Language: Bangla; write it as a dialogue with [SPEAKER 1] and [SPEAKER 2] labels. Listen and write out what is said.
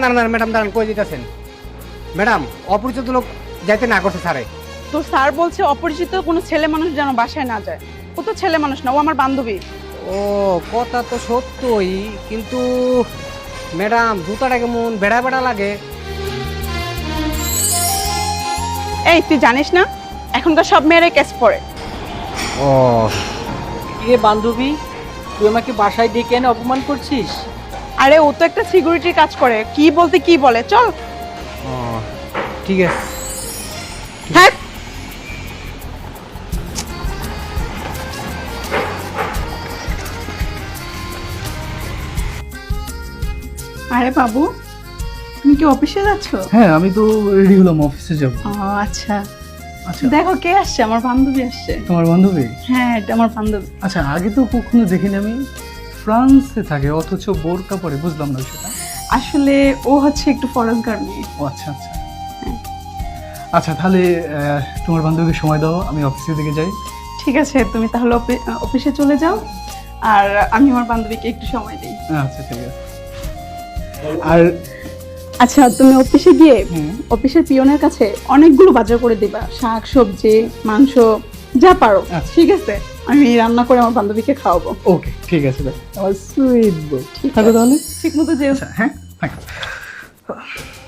[SPEAKER 1] দাঁড়ান ম্যাডাম দাঁড়ান, কই দিতেছেন ম্যাডাম? অপরিচিত লোক যাইতে না করছে স্যারে।
[SPEAKER 2] তো স্যার বলছে অপরিচিত কোনো ছেলে মানুষ যেন বাসায় না যায়। ও তো ছেলে মানুষ না, ও আমার বান্ধবী।
[SPEAKER 1] ও কথা তো সত্যই, কিন্তু ম্যাডাম জুতাটা কেমন বেড়া বেড়া লাগে।
[SPEAKER 2] এই তুই জানিস না এখনকার সব মেয়েরাই কেস পড়ে।
[SPEAKER 1] ও
[SPEAKER 3] এ বান্ধবী, তুই আমাকে বাসায় ডেকে এনে অপমান করছিস?
[SPEAKER 2] আরে ও তো একটা সিকিউরিটির কাজ করে, কি বলতে কি বলে, চল।
[SPEAKER 1] ও ঠিক আছে।
[SPEAKER 2] হ্যাঁ আরে বাবু, তুমি কি অফিসে যাচ্ছ?
[SPEAKER 4] হ্যাঁ, আমি তো রেডি হলাম, অফিসে যাব।
[SPEAKER 2] ও আচ্ছা,
[SPEAKER 4] আচ্ছা,
[SPEAKER 2] দেখো কে আসছে, আমার বান্ধবী আসছে।
[SPEAKER 4] তোমার বান্ধবী?
[SPEAKER 2] হ্যাঁ এটা আমার বান্ধবী।
[SPEAKER 4] আচ্ছা, আগে তো কখনো দেখিনি আমি। ফ্রান্সে থাকে অথচ বোরকা পরে, বুঝলাম না সেটা।
[SPEAKER 2] আসলে ও হচ্ছে একটু ফরেনকার মেয়ে।
[SPEAKER 4] ও আচ্ছা আচ্ছা। আচ্ছা তাহলে তোমার বান্ধবীকে সময় দাও, আমি অফিসের দিকে যাই।
[SPEAKER 2] ঠিক আছে, তুমি তাহলে অফিসে চলে যাও, আর আমি আমার বান্ধবীকে একটু সময় দিই।
[SPEAKER 4] আচ্ছা ঠিক আছে। আর
[SPEAKER 2] আচ্ছা তুমি অফিসে গিয়ে
[SPEAKER 4] হুম।
[SPEAKER 2] অফিসের পিয়নের কাছে অনেকগুলো বাজার করে দিবা, শাক সবজি মাংস যা পারো।
[SPEAKER 4] আচ্ছা।
[SPEAKER 2] ঠিক আছে, আমি রান্না করে আমার বান্ধবীকে খাওয়াবো।
[SPEAKER 4] ওকে ঠিক আছে, আমার সুইট বউ।
[SPEAKER 2] ঠিক
[SPEAKER 4] থাকো
[SPEAKER 2] আছে।
[SPEAKER 4] তাহলে।
[SPEAKER 2] ঠিক মতো যেও।
[SPEAKER 4] আচ্ছা হ্যাঁ, থাকো।